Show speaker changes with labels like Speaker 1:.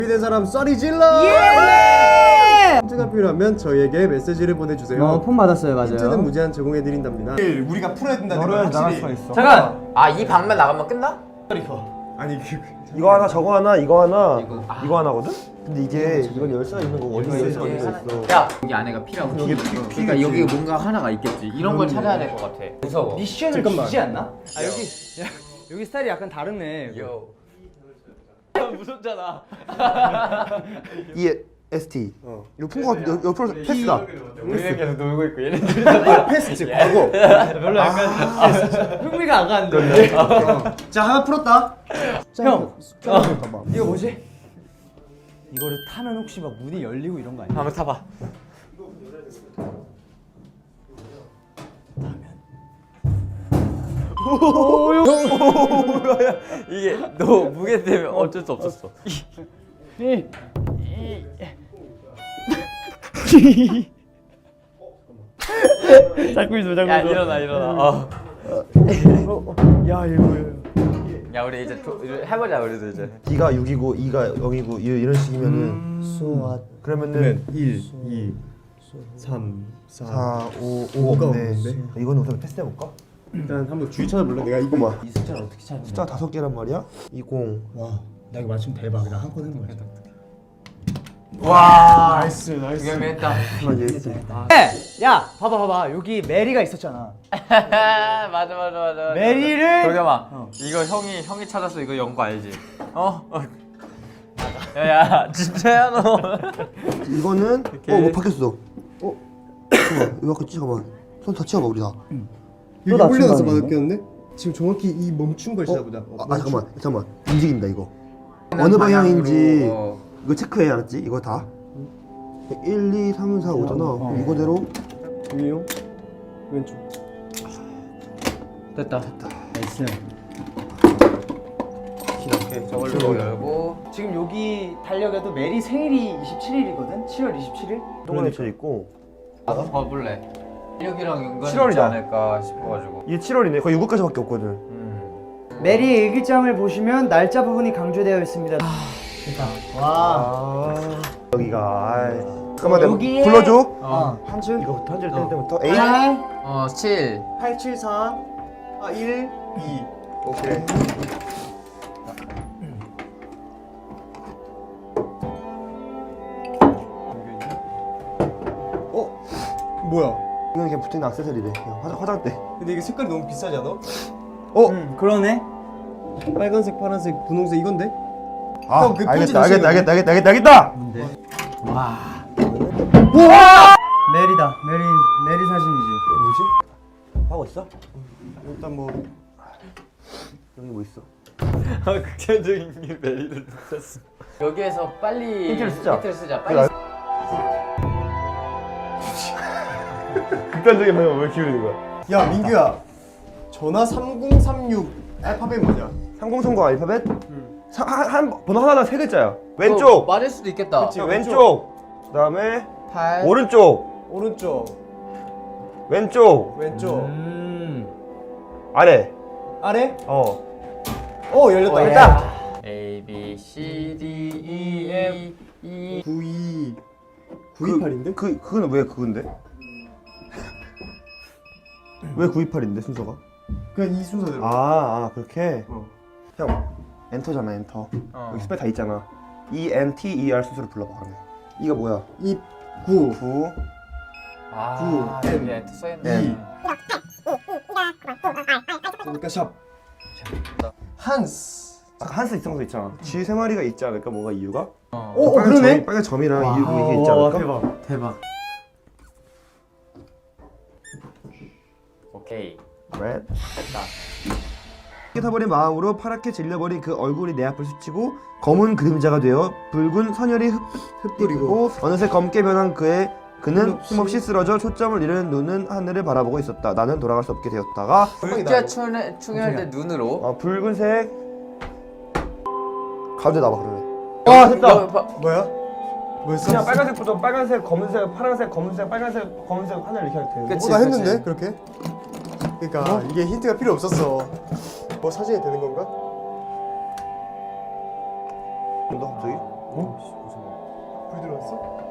Speaker 1: 준비된 사람 쏘리 질러!
Speaker 2: 예!
Speaker 1: 힌트가 필요하면 저희에게 메시지를 보내주세요.
Speaker 2: 폰 받았어요, 맞아요.
Speaker 1: 힌트는 무제한 제공해드린답니다. 우리가 풀어야 된다는 걸
Speaker 3: 나갈 수가
Speaker 1: 확실히.
Speaker 3: 있어.
Speaker 2: 잠깐!
Speaker 4: 아, 이 방만 나가면 끝나?
Speaker 1: 아니
Speaker 3: 이거 하나, 저거 하나, 이거 하나, 이거 하나거든? 근데 이게 이건 열쇠가 있는 거고 어디가 열쇠가
Speaker 4: 이게
Speaker 3: 있는 거
Speaker 4: 하나-
Speaker 3: 있어.
Speaker 4: 야, 여기 안에가 피라고.
Speaker 3: 여기
Speaker 4: 그러니까 여기 뭔가 하나가 있겠지. 이런 걸 찾아야 될 것 같아. 무서워.
Speaker 2: 미션을
Speaker 1: 잠깐만.
Speaker 2: 주지 않나? 아 여기 야, 여기 스타일이 약간 다르네.
Speaker 4: 요. 무섭잖아.
Speaker 3: EST. 이거 풍구가 옆으로 패스다.
Speaker 4: 우리는 계속 놀고 있고 얘는
Speaker 1: 패스지 과거.
Speaker 2: 별로 약간 흥미가 안 가는데.
Speaker 1: 자 하나 풀었다.
Speaker 2: 형, 이거 뭐지? 이거를 타면 혹시 막 문이 열리고 이런 거 아니야?
Speaker 4: 한번 타봐. 이게 너 무게 때문에 어쩔 수 없었어.
Speaker 2: 잡고 있어, 잡고
Speaker 4: 야 일어나 일어나.
Speaker 2: 야 이거.
Speaker 4: 야 우리 이제 해보자 우리도 이제.
Speaker 3: D가 6이고 E가 0이고 이런 식이면은 그러면은
Speaker 1: 1, 2, 3, 4.
Speaker 3: 4, 5,
Speaker 1: 5가
Speaker 3: 5
Speaker 1: 없네.
Speaker 3: 없네. 이거는 우선 테스트 해볼까?
Speaker 1: 일단 한번 주위 찾아볼래? 내가 이거
Speaker 3: 잠깐만.
Speaker 4: 이 숫자를 어떻게 찾는
Speaker 3: 숫자 5개란 말이야? 20.
Speaker 1: 와, 나 이거 맞추면 대박. 나 한 건 해본 거야.
Speaker 4: 와.
Speaker 1: 나이스, 나이스.
Speaker 4: 두개했다.
Speaker 3: 하나 EST.
Speaker 2: 야, 봐봐. 여기 메리가 있었잖아.
Speaker 4: 맞아.
Speaker 2: 메리를
Speaker 4: 도겸아, 이거 형이 찾았어. 이거 연구 알지? 야야, 진짜야 너.
Speaker 3: 이거는 뭐 바뀌었어. 잠깐만. 이거 아까 잠깐만. 손 다 치워봐 우리 다.
Speaker 1: 여기
Speaker 2: 또
Speaker 1: 올려놔서
Speaker 2: 낮춘다는
Speaker 1: 맞았겠는데? 지금 정확히 이 멈춘 걸 찾아보자.
Speaker 3: 잠깐만. 움직인다 이거. 어느 방향인지
Speaker 4: 어.
Speaker 3: 이거 체크해 알았지? 이거 다. 1, 2, 3, 4, 5잖아. 이거대로
Speaker 1: 위용 왼쪽.
Speaker 4: 됐다.
Speaker 2: 나이스.
Speaker 3: 이렇게
Speaker 4: 저걸로 열고.
Speaker 2: 지금 여기 달력에도 메리 생일이 27일이거든? 7월 27일?
Speaker 3: 동안에 쳐 있고.
Speaker 4: 봐볼래. 16이랑 연관이
Speaker 3: 7월이다.
Speaker 4: 있지 않을까 싶어가지고.
Speaker 3: 이게 7월이네. 거의 6월까지밖에 없거든.
Speaker 2: 메리 일기장을 보시면 날짜 부분이 강조되어 있습니다. 와.
Speaker 3: 여기가 잠깐만 내가
Speaker 2: 여기에-
Speaker 3: 불러줘.
Speaker 2: 한 줄?
Speaker 3: 이거부터 한 줄 뗄 때부터 8.
Speaker 4: 7.
Speaker 1: 8, 7, 4, 1, 2.
Speaker 3: 오케이.
Speaker 1: 뭐야?
Speaker 3: 이건 그냥 붙어있는 액세서리래. 그냥 화장대.
Speaker 1: 근데 이게 색깔이 너무 비싸지 않아?
Speaker 2: 그러네.
Speaker 1: 빨간색, 파란색, 분홍색 이건데?
Speaker 3: 아,
Speaker 1: 형, 그 편지
Speaker 3: 알겠다.
Speaker 2: 뭔데? 메리다. 메리 사진이지.
Speaker 3: 뭐지? 하고 있어?
Speaker 1: 일단 뭐
Speaker 3: 여기 뭐 있어?
Speaker 4: 극단적인 게 메리를 뜯었어. 여기에서 빨리
Speaker 3: 힌트를 쓰자.
Speaker 4: 빨리.
Speaker 3: 극단적인 방향 왜 기울이는 거야?
Speaker 1: 야, 민규야. 전화 3036 알파벳 뭐냐?
Speaker 3: 3030 알파벳? 한 번호 하나당 3글자야.
Speaker 4: 또
Speaker 3: 왼쪽.
Speaker 4: 맞을 수도 있겠다.
Speaker 1: 그치.
Speaker 3: 왼쪽. 그다음에
Speaker 4: 8.
Speaker 3: 오른쪽.
Speaker 1: 오른쪽,
Speaker 3: 왼쪽.
Speaker 1: 왼쪽,
Speaker 3: 아래.
Speaker 1: 아래? 열렸다.
Speaker 3: 됐다.
Speaker 4: A B C D E F E
Speaker 1: 92 928인데?
Speaker 3: 그거는 왜 그건데? 왜 928인데 순서가?
Speaker 1: 그냥 이 순서대로.
Speaker 3: 그렇게. 형 엔터잖아 엔터. 여기 스펠 다 있잖아. E N T E R 순서로 불러봐 그러면. 이가 뭐야?
Speaker 1: 2 9
Speaker 3: 9.
Speaker 4: 아, 여기 엔터 써있네.
Speaker 1: 그러니까 샵. 한스.
Speaker 3: 아까 한스 이성도 있잖아. 쥐 3마리가 있지 않을까? 뭐가 이유가?
Speaker 1: 그러네.
Speaker 3: 빨간 점이랑 이게 있지 않을까?
Speaker 2: 대박.
Speaker 4: 오케이.
Speaker 3: Red.
Speaker 4: 됐다.
Speaker 3: 타버린 마음으로 파랗게 질려버린 그 얼굴이 내 앞을 스치고 검은 그림자가 되어 붉은 선혈이 흩뿌리고 어느새 검게 변한 그는 힘없이 쓰러져 초점을 잃은 눈은 하늘을 바라보고 있었다. 나는 돌아갈 수 없게 되었다가
Speaker 4: 불쾌 충혈 때 눈으로.
Speaker 3: 붉은색 가운데 나와 그러네. 됐다.
Speaker 1: 뭐야? 뭐였어?
Speaker 3: 그냥 빨간색부터 빨간색, 검은색, 파란색, 검은색, 빨간색, 검은색 하늘 이렇게 하면 되는데.
Speaker 4: 그치,
Speaker 1: 나
Speaker 4: 그치.
Speaker 1: 했는데 그렇게? 그러니까 이게 힌트가 필요 없었어. 뭐 사진이 되는 건가?
Speaker 3: 너 갑자기?
Speaker 1: 뭐였어?